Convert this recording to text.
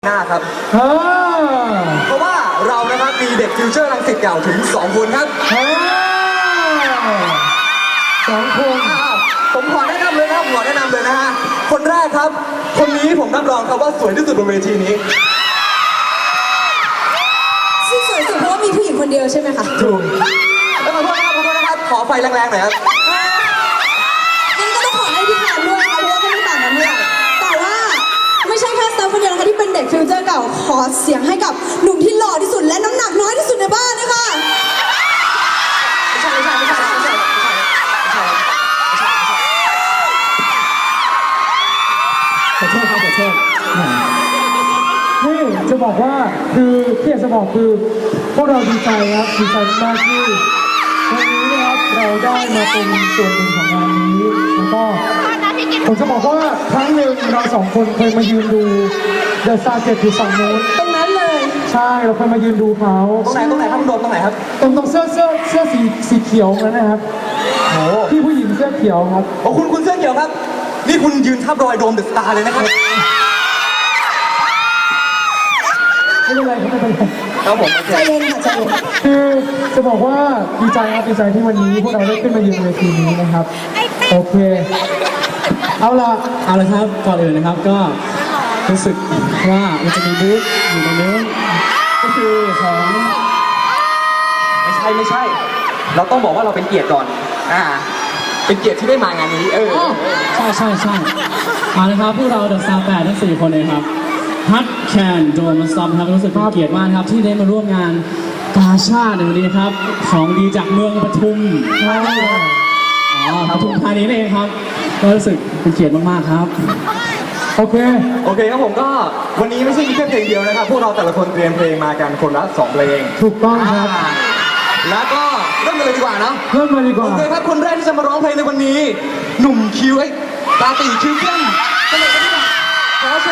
หน้าครับเพราะว่าเรานะครับมีเด็กฟิวเจอร์รังสิตเก่าถึง2 คนครับ 2 คนผมขอแนะนำเลยนะฮะคนแรกครับคนนี้ผมรับรองครับว่าสวยที่สุดบนเวทีนี้ที่สวยสุดเพราะว่ามีผู้หญิงคนเดียวใช่ไหมคะถูกแล้วขอโทษนะครับขอไฟแรงๆหน่อยครับงั้นก็ต้องขอให้พี่พานด้วยค่ะเพราะว่าก็ไม่ต่างกันเท่าไหร่แต่ว่าไม่ใช่แค่สตาฟคนเดียวนะคะที่เป็นเด็กฟิวเจอร์เก่าขอเสียงให้กับหนุ่มที่หล่อที่สุดและน้ำหนักน้อยที่สุดในบ้านนะคะไม่ใช่ขอโทษครับนี่จะบอกว่าคือที่อยากจะบอกคือพวกเราดีใจครับดีใจมากที่วันนี้นะครับเราได้มาเป็นส่วนหนึ่งของงานนี้แล้วก็ผมจะบอกว่าครั้งหนึ่งเรา2 คนเคยมายืนดูเดอะซาร์เจ็ตอยู่ฝั่งโน้นตรงนั้นเลยใช่เราเคยมายืนดูเขาตรงไหนครับคุณโดมตรงไหนครับตรงเสื้อสีเขียวนั่นนะครับโอ้พี่ผู้หญิงเสื้อเขียวครับโอ้คุณเสื้อเขียวครับนี่คุณยืนทับรอยโดมเดอะสตาร์เลยนะครับไม่เป็นไรครับผมใจเย็นค่ะใจเย็นคือจะบอกว่าดีใจที่วันนี้พวกเราได้ขึ้นมายืนเวทีนี้นะครับโอเคเอาละครับก่อนอื่นนะครับก็รู้สึกว่ามันจะมีบูธอยู่ตรงนี้ก็คือของไม่ใช่เราต้องบอกว่าเราเป็นเกียรติก่อนเป็นเกียรติที่ได้มางานนี้ใช่นะครับพวกเราเดอะสตาร์8ทั้ง4 คนเลยครับฮัทแคนโดมซอมครับรู้สึกเป็นเกียรติมากครับที่ได้มาร่วมงานกาชาดในวันนี้ครับของดีจากเมืองปทุมปทุมธานีเองครับก็รู้สึกเป็นเกียรติมากๆครับโอเคครับผมก็วันนี้ไม่ใช่มีแค่เพลงเดียวนะครับพวกเราแต่ละคนเตรียมเพลงมากันคนละ2 เพลงถูกต้องครับแล้วก็เริ่มกันเลยดีกว่าเนาะเริ่มมาดีกว่าโอเคครับคนแรกที่จะมาร้องเพลงในวันนี้หนุ่มคิวตาตีคิวเข้มกันเลยดีกว่าขอเชิ